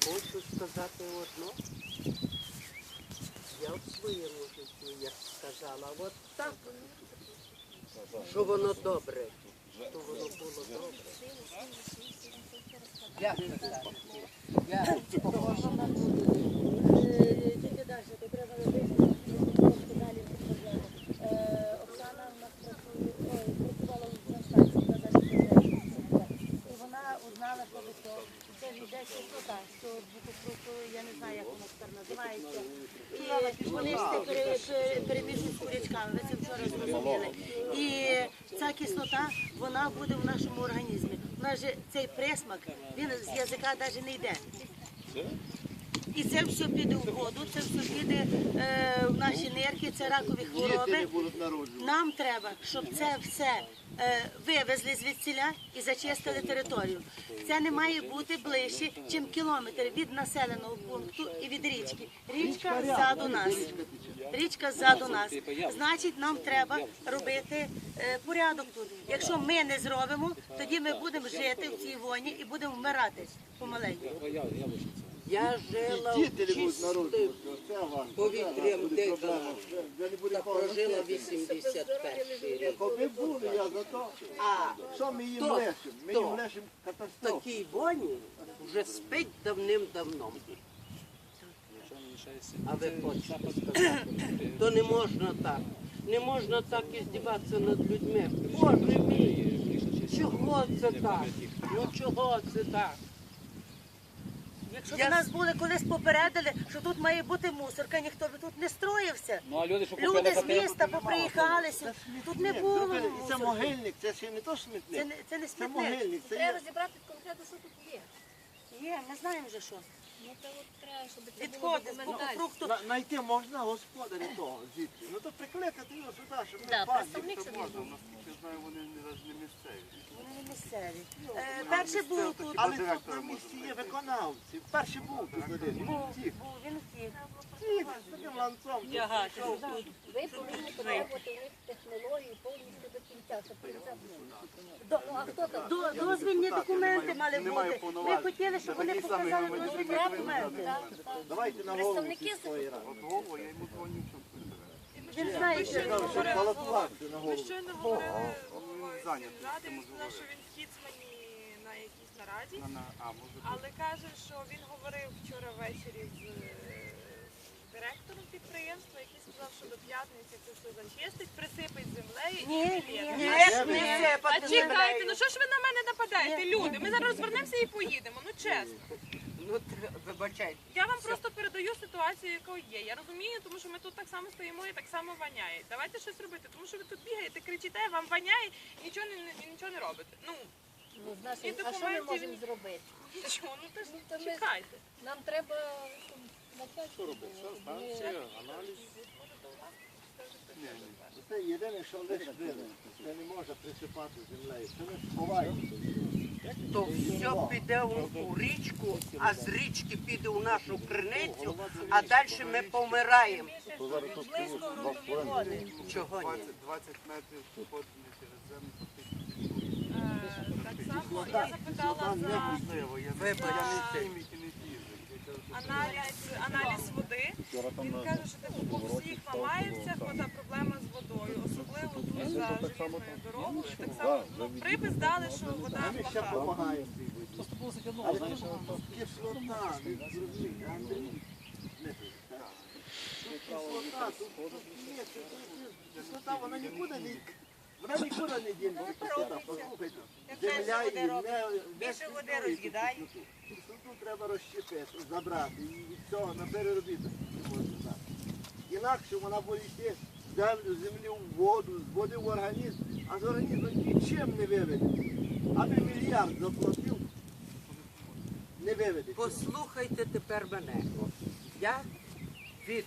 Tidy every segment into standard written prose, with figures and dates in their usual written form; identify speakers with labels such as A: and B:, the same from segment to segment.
A: хочу сказати одно. Я в своєму житті, як сказала, от так, що воно добре, то воно було добре. Як сказати?
B: Тільки далі, то треба робити трошки далі. Оксана у нас працювала на станції, і вона узнала, що це йде кислота, що я не знаю, як воно тепер називається. І вони перемішують з курячками, ви це вчора зрозуміли. І ця кислота, вона буде в нашому організмі. У нас же цей присмак, він з язика навіть не йде. І це все піде в воду, це все піде в наші нирки, це ракові хвороби. Нам треба, щоб це все вивезли звідсіля і зачистили територію. Це не має бути ближче, ніж кілометр від населеного пункту і від річки. Річка ззаду нас. Річка ззаду нас. Значить, нам треба робити порядок тут. Якщо ми не зробимо, тоді ми будемо жити в цій воні і будемо вмирати помаленьку.
A: Я жила в чистим повітрям дихала та прожила 81 рік.
C: Коли були, я за то, що ми їм лишимо? Ми їм лишимо
A: В
C: катастрофу.
A: такій воні вже спить давним-давно. А ви хочете сказати, то не можна так. Не можна так іздіватися над людьми. Боже мій, чого це так? Ну чого це так? Якщо б нас були колись попередили, що тут має бути мусорка, ніхто б тут не строївся. Люди з міста поприїхалися, тут не було
C: Це
A: мусорки.
C: могильник, це ще не то смітник.
A: Це не
C: Це
A: смітник.
C: могильник, це
B: Треба
C: є.
B: розібрати конкретно, що тут є.
A: Є, ми знаємо вже що.
B: Ну, це от треба, щоб це було
A: Відходи з
B: документально.
A: фрукту.
C: Знайти можна господаря того звідси. Ну то прикликати його сюди, щоб
B: Да,
C: ми бачили,
B: представник
C: що
B: собі
C: можна.
B: був.
C: Наскільки знаю, вони не місцеві.
A: Вони не місцеві. Перший був тут.
C: Але тут на місці є виконавці. Перший був тут один. Втік.
A: Він втік.
C: Втік, з таким ланцом.
B: Ви повинні потребувати в них технології повністю до кінця, щоб кінця було. Ну, а хто там?
A: Дозвільні документи мали бути. Ми хотіли, щоб вони показали дозвільні документи.
C: Давайте на голову
B: Представники
C: сільської ради.
A: Він знає, що
C: Щоб балотувати на голову.
D: Щойно говорили з ради, він сказав, що він в Кіцмані на якійсь нараді, але каже, що він говорив вчора ввечері з директором підприємства, який сказав, що до п'ятниці це все зачистить, присипить землею і білет. А чекайте, ну що ж ви на мене нападаєте, люди? Ми зараз розвернемося і поїдемо, ну чесно.
A: Ну, вибачайте.
D: Я вам просто передаю ситуацію, яка є. Я розумію, тому що ми тут так само стоїмо і так само воняє. Давайте щось робити, тому що ви тут бігаєте, кричите, вам воняє і нічого не робите. Ну,
B: Ну, знаєш,
D: І
B: а що ми
D: документів
B: можемо
D: він-
B: зробити?
D: нічого, ну то ж
B: то ми-
D: чекайте.
B: Нам треба начальство.
C: Це єдине, що лише вили. Це не може присипати землею. Це ми сховаємо.
A: То все піде у річку, а з річки піде у нашу криницю, а далі ми помираємо.
B: Близько грунтові води.
A: Чого ні?
C: 20 метрів походили через землю.
D: Так само я запитала за
A: Вибачте.
D: аналіз води. Він каже, що типу, по всіх ламається, хода проблема з водою, особливо тут за желізною дорогою. Так само припис дали, що вода
C: Ми ще
D: плоха.
C: допомагаємо цій воді. Але тут кислота, ви зрозумієте, Андрій. Кислота, тут ні, кислота, вона нікуди не дінеться. Кислота, послухайте. Земля і більше води роз'їдає. Кислоту треба розщепити, забрати і від цього на переробіток не можна дати. Інакше вона буде йти в землю, з землі в воду, з води в організм, а з організму нічим не виведеться. Аби мільярд заплатив, не виведеться.
A: Послухайте тепер мене. Я від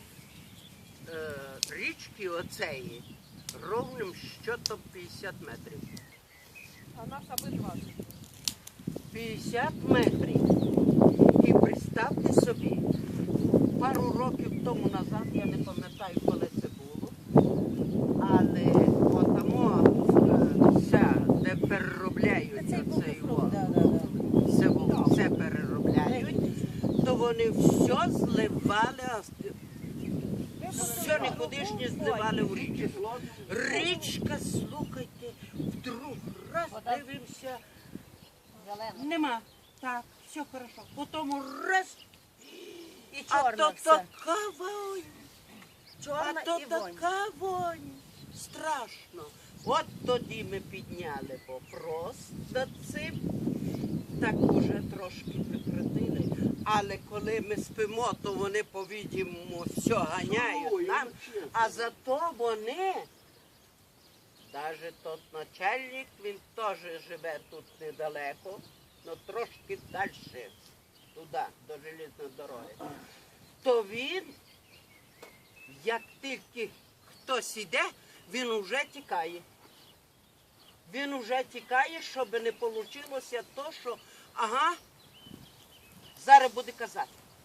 A: річки оцеї ровним щотом 50 метрів.
D: А нас аби 20.
A: 50 метрів. І представте собі, пару років тому назад, я не пам'ятаю, коли це було, але отамо все, де переробляють оцей все переробляють, то вони все зливали, все никудишнє зливали в річку. Річка, слухайте, вдруг раз дивимося, нема. Так, все хорошо. Потім раз,
B: І
A: а
B: чорна
A: то
B: все.
A: така вонь.
B: Чорна
A: А то
B: і вонь.
A: така вонь. Страшно. От тоді ми підняли вопрос над цим. Так уже трошки прикрутили. Але коли ми спимо, то вони, по-відімому, все ганяють нам. А зато вони, навіть тот начальник, він теж живе тут недалеко, але трошки далі, туди, до железної дороги. То він, як тільки хтось іде, він уже тікає. Він уже тікає, щоб не вийшло то, що, ага, зараз буде казати.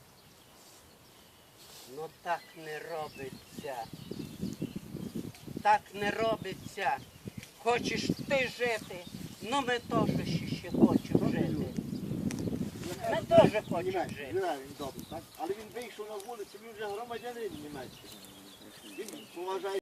A: Ну так не робиться. Так не робиться. Хочеш ти жити, ну ми теж ще хочемо жити. Ми теж хочемо жити.
C: Він добре, так? Але він вийшов на вулицю, він вже громадянин німецький. Він поважає